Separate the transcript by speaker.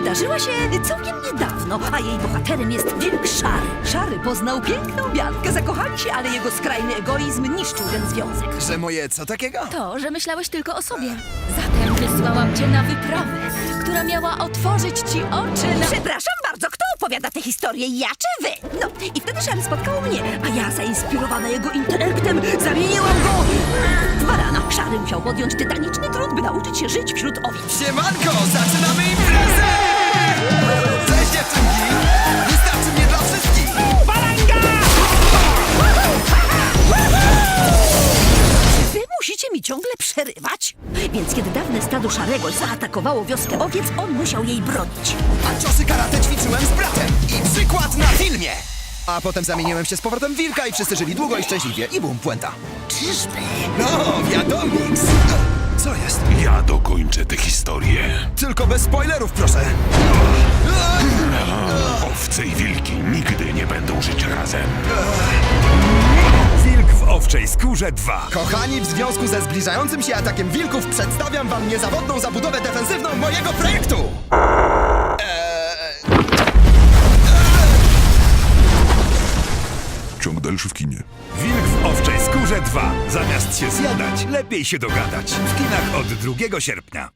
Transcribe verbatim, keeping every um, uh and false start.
Speaker 1: wydarzyła się całkiem niedawno, a jej bohaterem jest wilk Szary. Szary poznał piękną Biankę, zakochali się, ale jego skrajny egoizm niszczył ten związek.
Speaker 2: Że moje co takiego?
Speaker 3: To, że myślałeś tylko o sobie. Zatem wysłałam cię na wyprawę, która miała otworzyć ci oczy na...
Speaker 1: Przepraszam bardzo, kto opowiada tę historię, ja czy wy? No, i wtedy Szary spotkał mnie, a ja zainspirowana jego intelektem zamieniłam go w barana. Szary musiał podjąć tytaniczny trud, by nauczyć się żyć wśród owiec.
Speaker 2: Siemanko, zaczynamy imprezę! Cześć dziewczynki! Wystarczy mnie dla wszystkich!
Speaker 1: Wy musicie mi ciągle przerywać? Więc kiedy dawne stado Szarego zaatakowało wioskę owiec, on musiał jej bronić.
Speaker 2: A ciosy karate ćwiczyłem z bratem! I przykład na filmie! A potem zamieniłem się z powrotem w wilka i wszyscy żyli długo i szczęśliwie. I bum, puenta.
Speaker 1: Czyżby?
Speaker 2: No, wiadomiks! Co jest?
Speaker 4: Ja dokończę tę historię.
Speaker 2: Tylko bez spoilerów, proszę!
Speaker 4: Owce i wilki nigdy nie będą żyć razem.
Speaker 5: Wilk w owczej skórze dwa.
Speaker 2: Kochani, w związku ze zbliżającym się atakiem wilków przedstawiam wam niezawodną zabudowę defensywną mojego projektu!
Speaker 4: Ciąg dalszy w kinie.
Speaker 5: Wilk w owczej skórze dwa. Zamiast się zjadać, lepiej się dogadać. W kinach od drugiego sierpnia.